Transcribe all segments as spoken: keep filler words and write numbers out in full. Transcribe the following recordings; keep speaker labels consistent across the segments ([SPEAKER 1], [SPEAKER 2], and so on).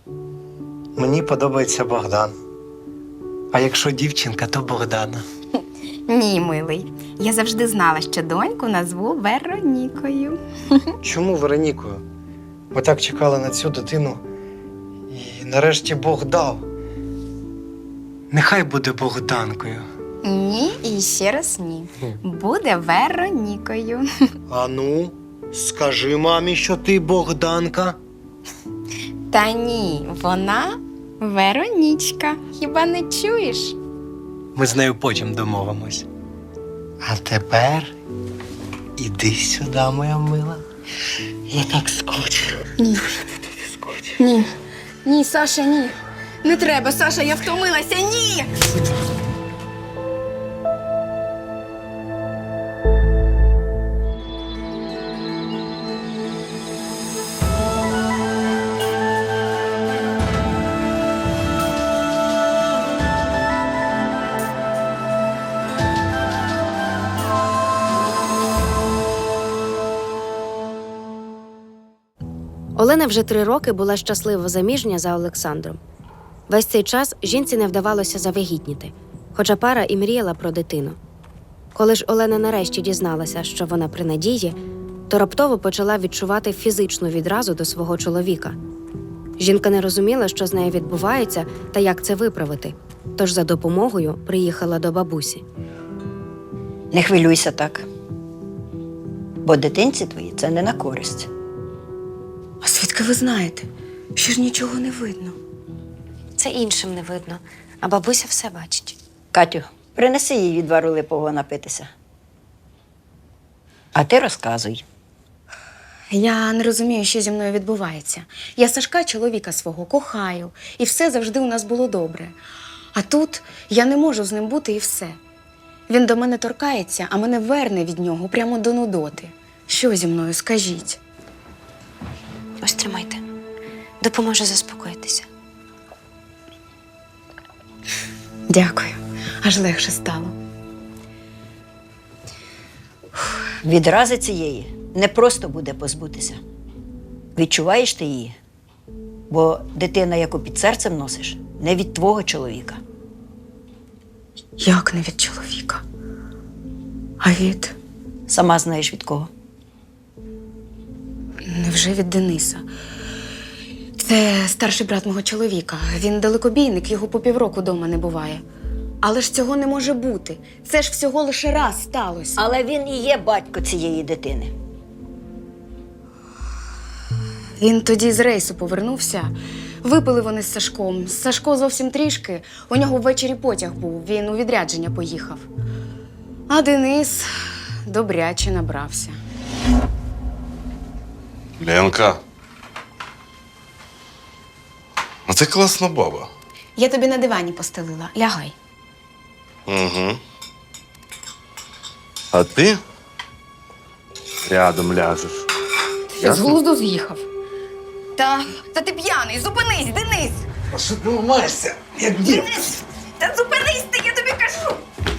[SPEAKER 1] Мені подобається Богдан. А якщо дівчинка, то Богдана.
[SPEAKER 2] Ні, милий. Я завжди знала, що доньку назву Веронікою.
[SPEAKER 1] Чому Веронікою? Ми так чекали на цю дитину. І нарешті Бог дав. Нехай буде Богданкою.
[SPEAKER 2] Ні, і ще раз ні. Буде Веронікою.
[SPEAKER 1] А ну, скажи мамі, що ти Богданка.
[SPEAKER 2] Та ні, вона Веронічка. Хіба не чуєш?
[SPEAKER 1] Ми з нею потім домовимось. А тепер іди сюди, моя мила. Я так скучу.
[SPEAKER 2] Ні. Ні. Ні, Саша, ні. Не треба, Саша, я втомилася. Ні!
[SPEAKER 3] Олена вже три роки була щасливо заміжня за Олександром. Весь цей час жінці не вдавалося завагітніти, хоча пара і мріяла про дитину. Коли ж Олена нарешті дізналася, що вона при надії, то раптово почала відчувати фізичну відразу до свого чоловіка. Жінка не розуміла, що з нею відбувається та як це виправити, тож за допомогою приїхала до бабусі.
[SPEAKER 4] Не хвилюйся так, бо дитинці твої це не на користь.
[SPEAKER 2] А звідки ви знаєте? Що ж нічого не видно.
[SPEAKER 3] Це іншим не видно, а бабуся все бачить.
[SPEAKER 4] Катю, принеси їй відвару липового напитися. А ти розказуй.
[SPEAKER 2] Я не розумію, що зі мною відбувається. Я Сашка, чоловіка свого, кохаю, і все завжди у нас було добре. А тут я не можу з ним бути і все. Він до мене торкається, а мене верне від нього прямо до нудоти. Що зі мною, скажіть?
[SPEAKER 3] Ось тримайте. Допоможе заспокоїтися.
[SPEAKER 2] Дякую. Аж легше стало.
[SPEAKER 4] Відрази цієї не просто буде позбутися. Відчуваєш ти її? Бо дитина, яку під серцем носиш, не від твого чоловіка.
[SPEAKER 2] Як не від чоловіка? А від?
[SPEAKER 4] Сама знаєш від кого.
[SPEAKER 2] Невже від Дениса? Це старший брат мого чоловіка. Він далекобійник, його по півроку дома не буває. Але ж цього не може бути. Це ж всього лише раз сталося.
[SPEAKER 4] Але він і є батько цієї дитини.
[SPEAKER 2] Він тоді з рейсу повернувся. Випили вони з Сашком. Сашко зовсім трішки. У нього ввечері потяг був. Він у відрядження поїхав. А Денис добряче набрався.
[SPEAKER 5] Ленка. А ти класна баба.
[SPEAKER 2] Я тобі на дивані постелила. Лягай.
[SPEAKER 5] Угу. А ти рядом ляжеш.
[SPEAKER 2] Ти з глузду з'їхав. Та, та ти п'яний, зупинись, Денис!
[SPEAKER 1] А що ти ламаєшся, як дів?
[SPEAKER 2] Денис! Та зупинись ти, я тобі кажу!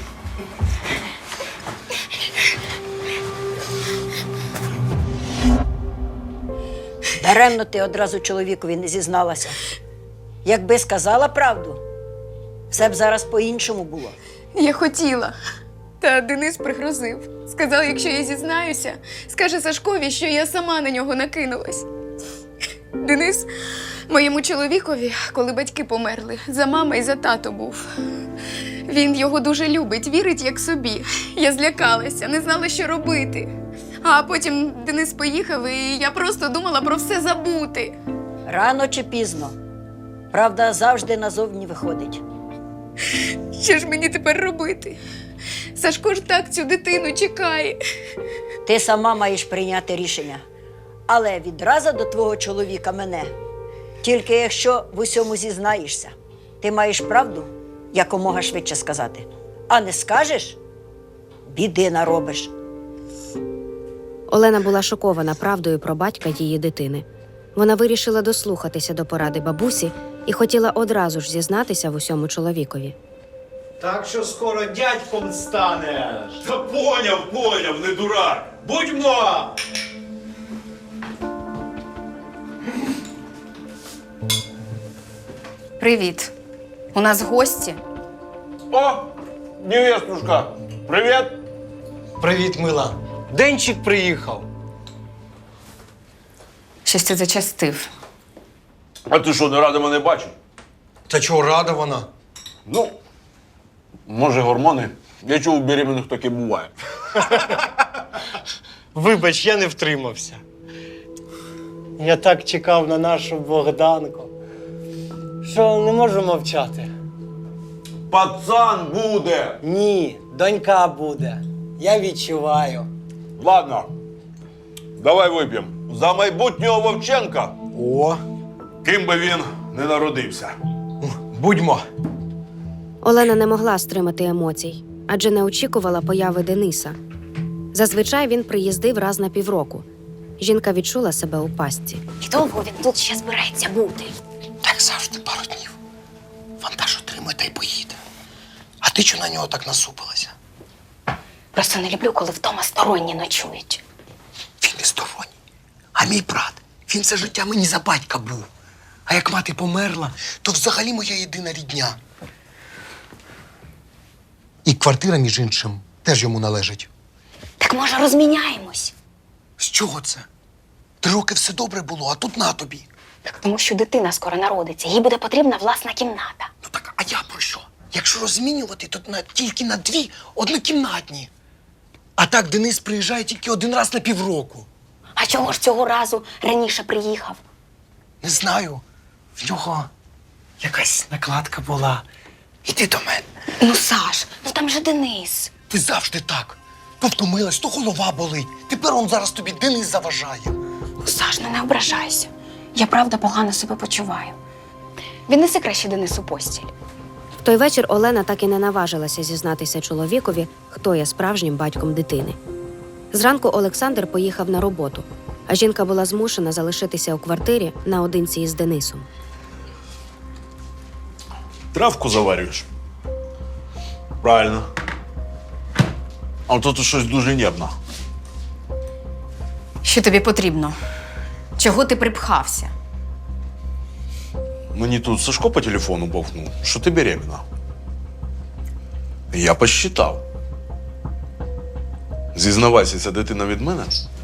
[SPEAKER 4] Даремно ти одразу чоловікові не зізналася. Якби сказала правду, все б зараз по-іншому було.
[SPEAKER 2] Я хотіла. Та Денис пригрозив. Сказав, якщо я зізнаюся, скаже Сашкові, що я сама на нього накинулась. Денис моєму чоловікові, коли батьки померли, за мама і за тато був. Він його дуже любить, вірить як собі. Я злякалася, не знала, що робити. А потім Денис поїхав, і я просто думала про все забути.
[SPEAKER 4] Рано чи пізно. Правда завжди назовні виходить.
[SPEAKER 2] Що ж мені тепер робити? Сашко ж так цю дитину чекає.
[SPEAKER 4] Ти сама маєш прийняти рішення. Але відразу до твого чоловіка мене. Тільки якщо в усьому зізнаєшся, ти маєш правду якомога швидше сказати. А не скажеш – біди наробиш.
[SPEAKER 3] Олена була шокована правдою про батька її дитини. Вона вирішила дослухатися до поради бабусі і хотіла одразу ж зізнатися в усьому чоловікові.
[SPEAKER 6] Так що скоро дядьком станеш.
[SPEAKER 5] Та поняв, поняв, не дурак.
[SPEAKER 2] Привіт. У нас гості.
[SPEAKER 5] О, невестушка, привіт.
[SPEAKER 1] Привіт, мила. Денчик приїхав.
[SPEAKER 2] Щось ти зачастив.
[SPEAKER 5] А ти що, не рада мене бачити?
[SPEAKER 1] Та чого рада вона?
[SPEAKER 5] Ну, може, гормони. Я чув, у беременних таке буває.
[SPEAKER 6] Вибач, я не втримався. Я так чекав на нашу Богданку, що не можу мовчати.
[SPEAKER 5] Пацан буде.
[SPEAKER 6] Ні, донька буде. Я відчуваю.
[SPEAKER 5] Ладно, давай вип'ємо. За майбутнього Вовченка,
[SPEAKER 1] О,
[SPEAKER 5] ким би він не народився.
[SPEAKER 1] будьмо.
[SPEAKER 3] Олена не могла стримати емоцій, адже не очікувала появи Дениса. Зазвичай він приїздив раз на півроку. Жінка відчула себе у пастці.
[SPEAKER 7] І довго він тут ще збирається бути.
[SPEAKER 1] Так завжди пару днів. Вантаж отримає та й поїде. А ти чого на нього так насупилася?
[SPEAKER 7] Просто не люблю, коли вдома сторонні ночують.
[SPEAKER 1] Він не сторонній. А мій брат, він все життя мені за батька був. А як мати померла, то взагалі моя єдина рідня. І квартира, між іншим, теж йому належить.
[SPEAKER 7] Так може розміняємось?
[SPEAKER 1] З чого це? Три роки все добре було, а тут на тобі.
[SPEAKER 7] Так тому що дитина скоро народиться, їй буде потрібна власна кімната.
[SPEAKER 1] Ну так, а я про що? Якщо розмінювати, то на, тільки на дві однокімнатні. А так Денис приїжджає тільки один раз на півроку.
[SPEAKER 7] А чого ж цього разу раніше приїхав?
[SPEAKER 1] Не знаю. В нього якась накладка була. Іди до мене.
[SPEAKER 7] Ну, Саш, ну там же Денис.
[SPEAKER 1] Ти завжди так. То втомилась, то голова болить. Тепер он зараз тобі Денис заважає.
[SPEAKER 7] Ну, Саш, ну не ображайся. Я правда погано себе почуваю. Віднеси краще Денису постіль.
[SPEAKER 3] В той вечір Олена так і не наважилася зізнатися чоловікові, хто є справжнім батьком дитини. Зранку Олександр поїхав на роботу, а жінка була змушена залишитися у квартирі наодинці із Денисом.
[SPEAKER 5] Травку заварюєш? Правильно. А тут щось дуже нервно.
[SPEAKER 2] Що тобі потрібно? Чого ти припхався?
[SPEAKER 5] Мені тут Сашко по телефону бовкнув, що ти беременна. Я посчитав. Зізнавайся, ця дитина від мене?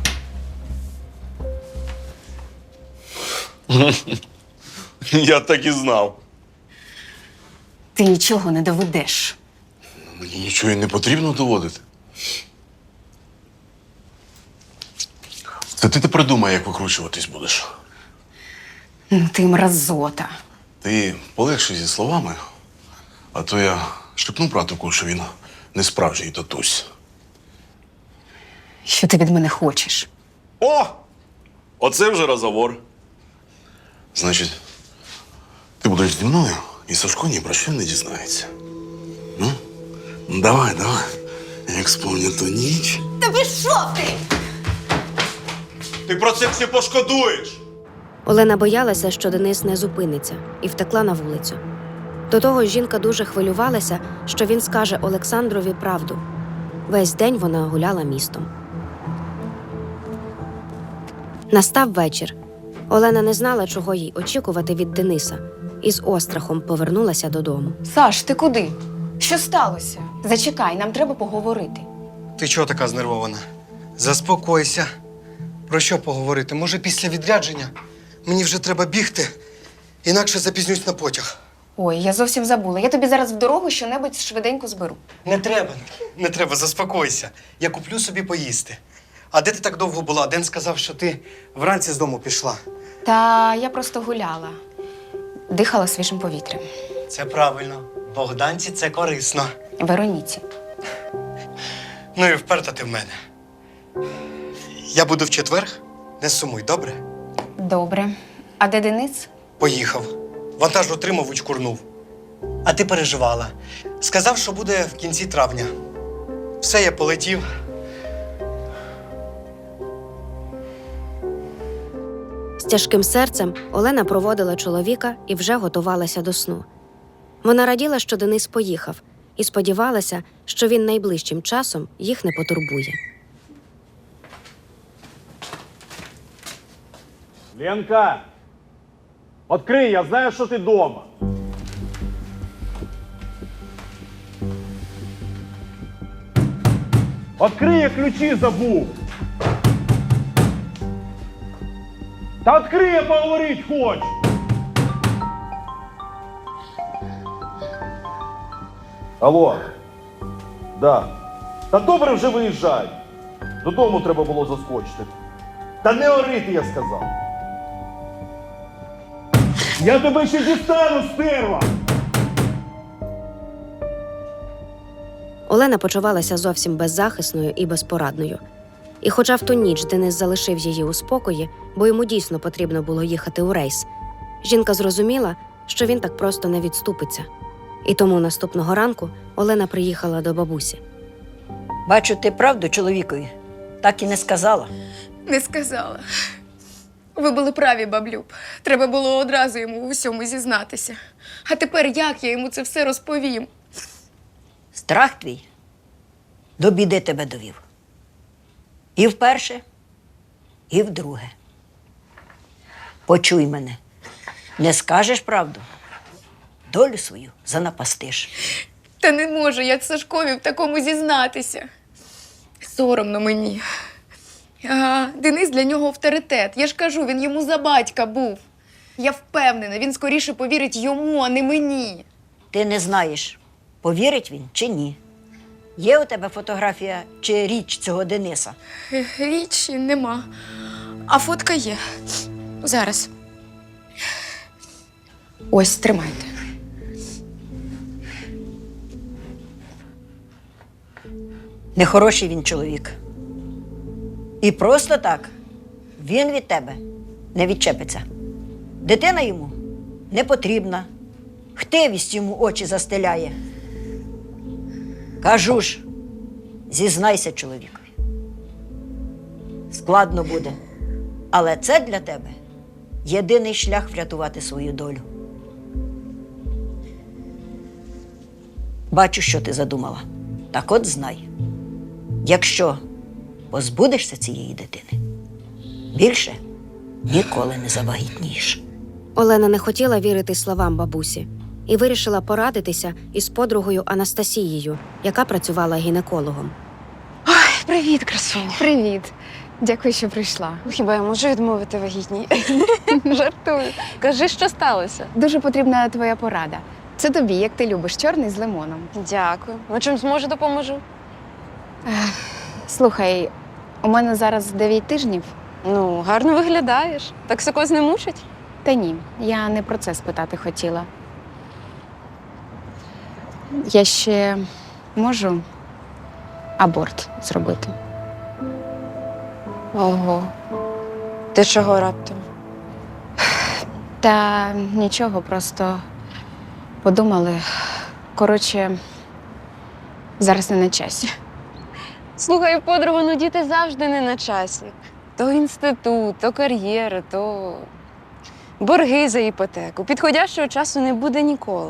[SPEAKER 5] Я так і знав.
[SPEAKER 2] Ти нічого не доведеш.
[SPEAKER 5] Мені нічого і не потрібно доводити. Це ти ти придумай, як викручуватись будеш.
[SPEAKER 2] Ну ти мразота.
[SPEAKER 5] Ти полегши зі словами, а то я шепну братику, що він не справжній татусь.
[SPEAKER 2] Що ти від мене хочеш?
[SPEAKER 5] О! Оце вже розговор. Значить, ти будеш зі мною, і Сашко ні про що не дізнається. Ну, давай, давай. Як сповню ту ніч.
[SPEAKER 7] Та пішов ти!
[SPEAKER 5] Ти про це все пошкодуєш!
[SPEAKER 3] Олена боялася, що Денис не зупиниться, і втекла на вулицю. До того ж, жінка дуже хвилювалася, що він скаже Олександрові правду. Весь день вона гуляла містом. Настав вечір. Олена не знала, чого їй очікувати від Дениса, і з острахом повернулася додому.
[SPEAKER 2] Саш, ти куди? Що сталося? Зачекай, нам треба поговорити.
[SPEAKER 1] Ти чого така знервована? Заспокойся. Про що поговорити? Може, після відрядження? Мені вже треба бігти, інакше запізнюсь на потяг.
[SPEAKER 2] Ой, я зовсім забула. Я тобі зараз в дорогу щонебудь швиденько зберу.
[SPEAKER 1] Не треба, не треба, заспокойся. Я куплю собі поїсти. А де ти так довго була? Ден сказав, що ти вранці з дому пішла.
[SPEAKER 2] Та я просто гуляла. Дихала свіжим повітрям.
[SPEAKER 1] Це правильно. Богданці це корисно.
[SPEAKER 2] Вероніці.
[SPEAKER 1] Ну і вперта ти в мене. Я буду в четвер. Не сумуй, добре?
[SPEAKER 2] Добре. А де Денис?
[SPEAKER 1] Поїхав. Вантаж отримав, учкурнув. А ти переживала. Сказав, що буде в кінці травня. Все, я полетів.
[SPEAKER 3] З тяжким серцем Олена проводила чоловіка і вже готувалася до сну. Вона раділа, що Денис поїхав, і сподівалася, що він найближчим часом їх не потурбує.
[SPEAKER 8] Ленка, відкрий, я знаю, що ти вдома. Открий, я ключі забув. Та відкрий, я поговорити хочу. Алло. Да. Та добре вже виїжджай. Додому треба було заскочити. Та не орити, я сказав. Я тебе ще дістану, стерва!
[SPEAKER 3] Олена почувалася зовсім беззахисною і безпорадною. І хоча в ту ніч Денис залишив її у спокої, бо йому дійсно потрібно було їхати у рейс, жінка зрозуміла, що він так просто не відступиться. І тому наступного ранку Олена приїхала до бабусі.
[SPEAKER 4] Бачу, ти правду чоловікові так і не сказала.
[SPEAKER 2] Не сказала. Ви були праві, баблюб. Треба було одразу йому у всьому зізнатися. А тепер як я йому це все розповім?
[SPEAKER 4] Страх твій до біди тебе довів. І вперше, і вдруге. Почуй мене. Не скажеш правду, долю свою занапастиш.
[SPEAKER 2] Та не можу я Сашкові в такому зізнатися. Соромно мені. А, Денис для нього авторитет. Я ж кажу, він йому за батька був. Я впевнена, він скоріше повірить йому, а не мені.
[SPEAKER 4] Ти не знаєш, повірить він чи ні. Є у тебе фотографія чи річ цього Дениса?
[SPEAKER 2] Е, Річі нема. А фотка є. Зараз. Ось, тримайте.
[SPEAKER 4] Нехороший він чоловік. І просто так він від тебе не відчепиться. Дитина йому не потрібна. Хтивість йому очі застеляє. Кажу ж, зізнайся чоловікові. Складно буде, але це для тебе єдиний шлях врятувати свою долю. Бачу, що ти задумала. Так от знай, якщо позбудешся цієї дитини, більше ніколи не завагітнієш.
[SPEAKER 3] Олена не хотіла вірити словам бабусі і вирішила порадитися із подругою Анастасією, яка працювала гінекологом.
[SPEAKER 7] Привіт, красуня. Привіт. Дякую, що прийшла. Хіба я можу відмовити вагітній? Жартую. Кажи, що сталося. Дуже потрібна твоя порада. Це тобі, як ти любиш, чорний з лимоном. Дякую. Ну, чим зможу, допоможу. Слухай, у мене зараз дев'ять тижнів. Ну, гарно виглядаєш. Токсикоз не мучить? Та ні, я не про це спитати хотіла. Я ще можу аборт зробити. Ого. Ти чого раптом? Та нічого, просто подумали. Коротше, зараз не на часі. Слухай, подруга, ну діти завжди не на часі. То інститут, то кар'єра, то борги за іпотеку. Підходящого часу не буде ніколи.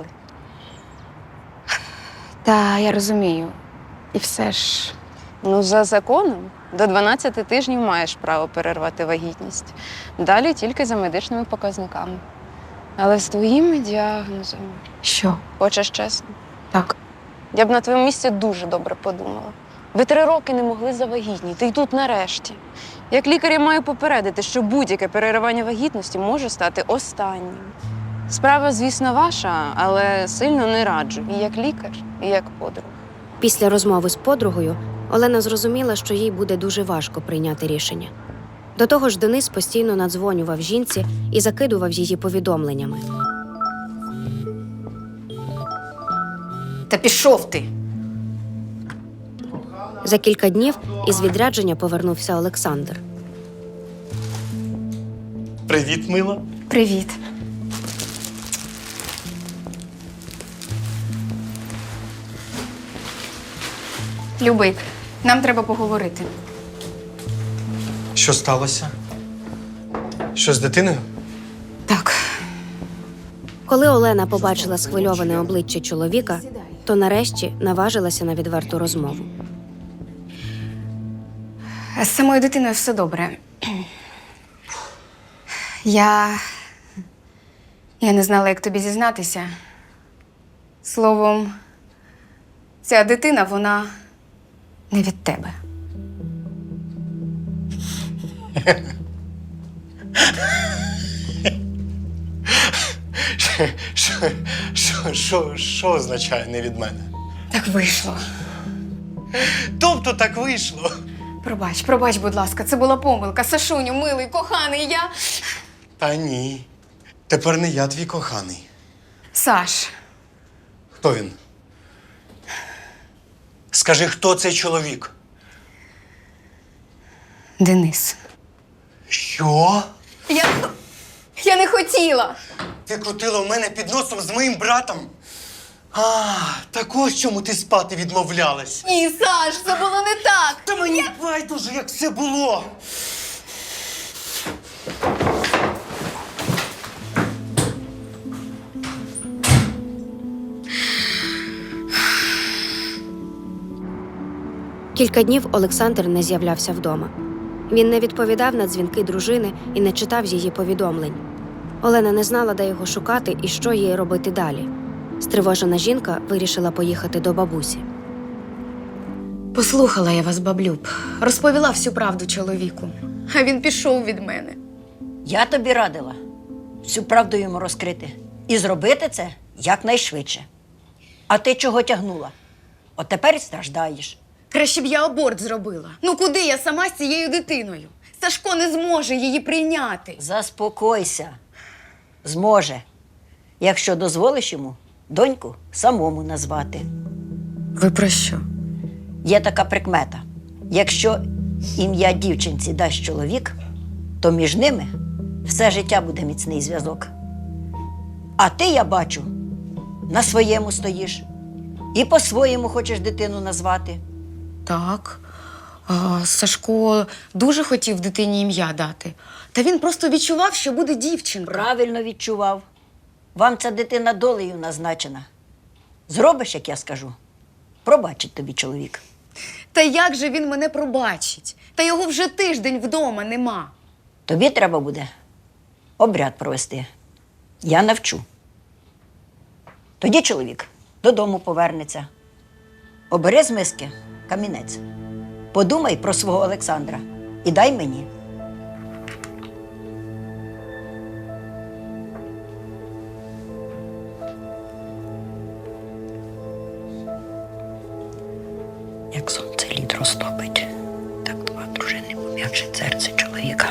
[SPEAKER 7] Та я розумію. І все ж. Ну, за законом, до дванадцяти тижнів маєш право перервати вагітність. Далі тільки за медичними показниками. Але з твоїм діагнозом. Що? Хочеш чесно? Так. Я б на твоєму місці дуже добре подумала. Ви три роки не могли завагітніти, і тут нарешті. Як лікар я маю попередити, що будь-яке переривання вагітності може стати останнім. Справа, звісно, ваша, але сильно не раджу. І як лікар, і як подруга.
[SPEAKER 3] Після розмови з подругою Олена зрозуміла, що їй буде дуже важко прийняти рішення. До того ж, Денис постійно надзвонював жінці і закидував її повідомленнями.
[SPEAKER 2] Та пішов ти!
[SPEAKER 3] За кілька днів із відрядження повернувся Олександр.
[SPEAKER 1] Привіт, мила.
[SPEAKER 2] Привіт. Любий, нам треба поговорити.
[SPEAKER 1] Що сталося? Що з дитиною?
[SPEAKER 2] Так.
[SPEAKER 3] Коли Олена побачила схвильоване обличчя чоловіка, то нарешті наважилася на відверту розмову.
[SPEAKER 2] З самою дитиною все добре. Я. Я не знала, як тобі Не від тебе.
[SPEAKER 1] Що, що, що, що означає не від мене?
[SPEAKER 2] Так вийшло.
[SPEAKER 1] Тобто так вийшло.
[SPEAKER 2] Пробач, пробач, будь ласка, це була помилка. Сашуню, милий, коханий, я.
[SPEAKER 1] Та ні. Тепер не я твій коханий.
[SPEAKER 2] Саш,
[SPEAKER 1] Хто він? Скажи, хто цей чоловік?
[SPEAKER 2] Денис.
[SPEAKER 1] Що?
[SPEAKER 2] Я. Я не хотіла.
[SPEAKER 1] Ти крутила в мене під носом з моїм братом? А, так ось чому ти спати відмовлялась.
[SPEAKER 2] Ні, Саш, це було не так.
[SPEAKER 1] Та мені байдуже, як все було.
[SPEAKER 3] Кілька днів Олександр не з'являвся вдома. Він не відповідав на дзвінки дружини і не читав її повідомлень. Олена не знала, де його шукати і що їй робити далі. Стривожена жінка вирішила поїхати до бабусі.
[SPEAKER 2] Послухала я вас, баблюб. Розповіла всю правду чоловіку. А він пішов від мене.
[SPEAKER 4] Я тобі радила всю правду йому розкрити і зробити це якнайшвидше. А ти чого тягнула? От тепер і страждаєш.
[SPEAKER 2] Краще б я аборт зробила. Ну куди я сама з цією дитиною? Сашко не зможе її прийняти.
[SPEAKER 4] Заспокойся. Зможе, якщо дозволиш йому доньку самому назвати.
[SPEAKER 2] Ви про що?
[SPEAKER 4] Є така прикмета. Якщо ім'я дівчинці дасть чоловік, то між ними все життя буде міцний зв'язок. А ти, я бачу, на своєму стоїш і по-своєму хочеш дитину назвати.
[SPEAKER 2] Так. А, Сашко дуже хотів дитині ім'я дати. Та він просто відчував, що буде дівчинка.
[SPEAKER 4] Правильно відчував. Вам ця дитина долею назначена. Зробиш, як я скажу, пробачить тобі чоловік.
[SPEAKER 2] Та як же він мене пробачить? Та його вже тиждень вдома нема.
[SPEAKER 4] Тобі треба буде обряд провести. Я навчу. Тоді чоловік додому повернеться. Обери з миски камінець. Подумай про свого Олександра і дай мені. Як сонце лід розтопить, так два дружини пом'якшить серце чоловіка.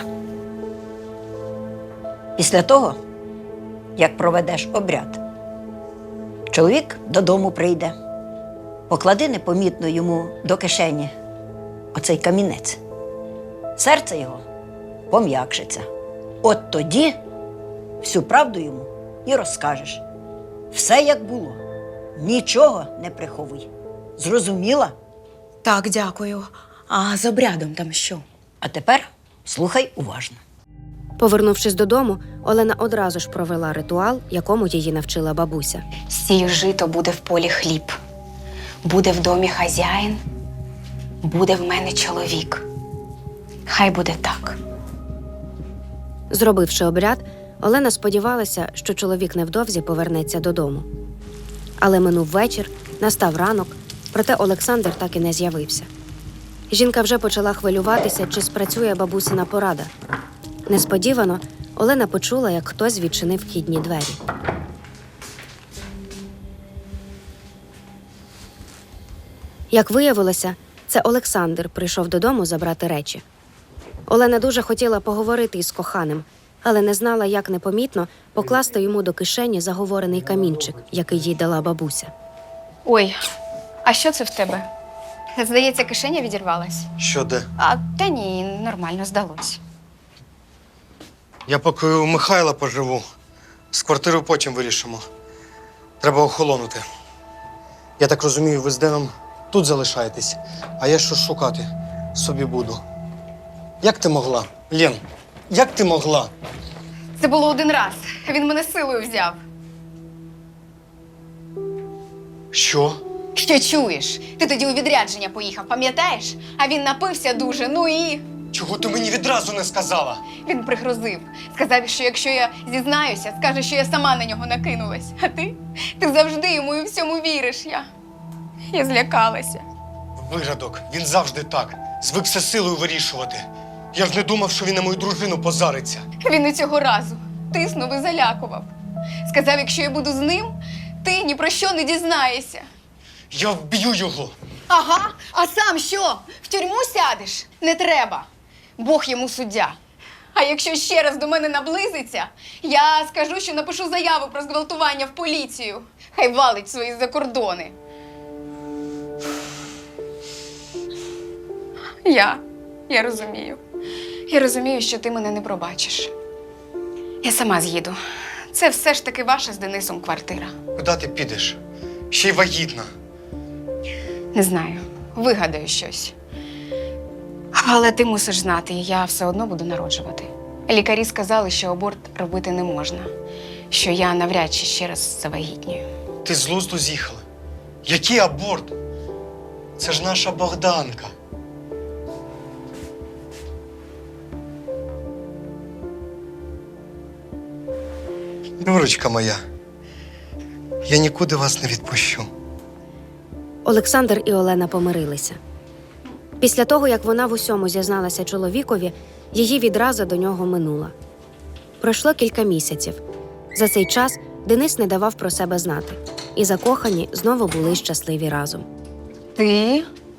[SPEAKER 4] Після того, як проведеш обряд, чоловік додому прийде. Поклади непомітно йому до кишені оцей камінець. Серце його пом'якшиться. От тоді всю правду йому і розкажеш. Все як було. Нічого не приховуй. Зрозуміла?
[SPEAKER 2] Так, дякую. А з обрядом там що?
[SPEAKER 4] А тепер слухай уважно.
[SPEAKER 3] Повернувшись додому, Олена одразу ж провела ритуал, якому її навчила бабуся.
[SPEAKER 9] Сію жито, буде в полі хліб. Буде в домі хазяїн, буде в мене чоловік. Хай буде так.
[SPEAKER 3] Зробивши обряд, Олена сподівалася, що чоловік невдовзі повернеться додому. Але минув вечір, настав ранок, проте Олександр так і не з'явився. Жінка вже почала хвилюватися, чи спрацює бабусина порада. Несподівано Олена почула, як хтось відчинив вхідні двері. Як виявилося, це Олександр прийшов додому забрати речі. Олена дуже хотіла поговорити із коханим, але не знала, як непомітно покласти йому до кишені заговорений камінчик, який їй дала бабуся.
[SPEAKER 7] Ой, а що це в тебе? Здається, кишеня відірвалась.
[SPEAKER 1] Що де?
[SPEAKER 7] А та ні, нормально здалось.
[SPEAKER 1] Я поки у Михайла поживу. З квартирою потім вирішимо. Треба охолонути. Я так розумію, ви з Деном тут залишаєтесь, а я що шукати собі буду. Як ти могла? Лен, як ти могла?
[SPEAKER 2] Це було один раз. Він мене силою взяв.
[SPEAKER 1] Що?
[SPEAKER 2] Що чуєш? Ти тоді у відрядження поїхав, пам'ятаєш? А він напився дуже, ну і…
[SPEAKER 1] Чого ти мені відразу не сказала?
[SPEAKER 2] Він пригрозив. Сказав, що якщо я зізнаюся, скаже, що я сама на нього накинулась. А ти? Ти завжди йому і всьому віриш. Я… Я злякалася.
[SPEAKER 1] Виродок, він завжди так. Звик все силою вирішувати. Я ж не думав, що він на мою дружину позариться.
[SPEAKER 2] Він і цього разу тиснув і залякував. Сказав, якщо я буду з ним, ти ні про що не дізнаєшся.
[SPEAKER 1] Я вб'ю його.
[SPEAKER 2] Ага, а сам що? В тюрму сядеш? Не треба. Бог йому суддя. А якщо ще раз до мене наблизиться, я скажу, що напишу заяву про зґвалтування в поліцію. Хай валить свої закордони. Я, я розумію. Я розумію, що ти мене не пробачиш. Я сама з'їду. Це все ж таки ваша з Денисом квартира.
[SPEAKER 1] Куди ти підеш? Ще й вагітна.
[SPEAKER 2] Не знаю, вигадаю щось. Але ти мусиш знати, я все одно буду народжувати. Лікарі сказали, що аборт робити не можна, що я навряд чи ще раз завагітнюю.
[SPEAKER 1] Ти з глузду з'їхала. Який аборт? Це ж наша Богданка. Нюрочка моя, я нікуди вас не відпущу.
[SPEAKER 3] Олександр і Олена помирилися. Після того, як вона в усьому зізналася чоловікові, її відраза до нього минула. Пройшло кілька місяців. За цей час Денис не давав про себе знати. І закохані знову були щасливі разом.
[SPEAKER 2] Ти?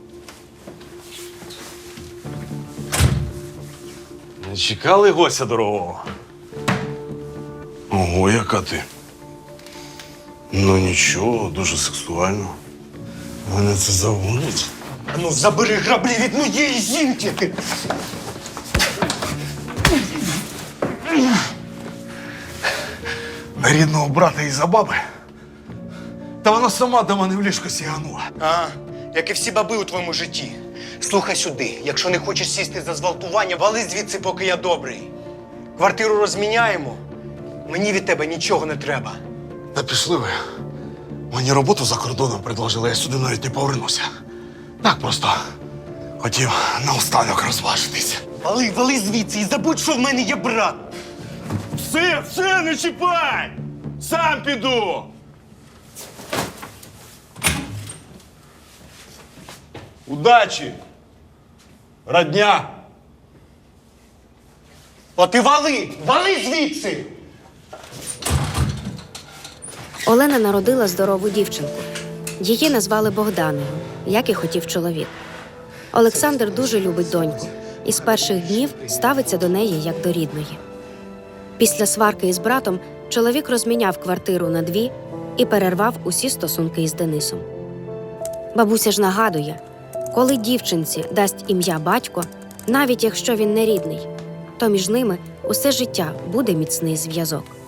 [SPEAKER 5] Не чекали гостя дорогого? Ого, яка ти. Ну нічого, дуже сексуально. Мене це заводить.
[SPEAKER 1] А ну, забери граблі від моєї жінки! Ти.
[SPEAKER 5] На рідного брата і за баби. Та вона сама до мене в ліжко сіганула.
[SPEAKER 1] А, як і всі баби у твоєму житті. Слухай сюди, якщо не хочеш сісти за зґвалтування, вали звідси, поки я добрий. Квартиру розміняємо. Мені від тебе нічого не треба.
[SPEAKER 5] Та пішли ви. Мені роботу за кордоном предложили, я сюди навіть не повернуся. Так просто хотів наостанок розважитись.
[SPEAKER 1] Вали, вали звідси і забудь, що в мене є брат.
[SPEAKER 8] Все, все, не чіпай! Сам піду! Удачі! Родня!
[SPEAKER 1] От і вали! Вали звідси!
[SPEAKER 3] Олена народила здорову дівчинку. Її назвали Богданою, як і хотів чоловік. Олександр дуже любить доньку і з перших днів ставиться до неї як до рідної. Після сварки із братом чоловік розміняв квартиру на дві і перервав усі стосунки із Денисом. Бабуся ж нагадує, коли дівчинці дасть ім'я батько, навіть якщо він не рідний, то між ними усе життя буде міцний зв'язок.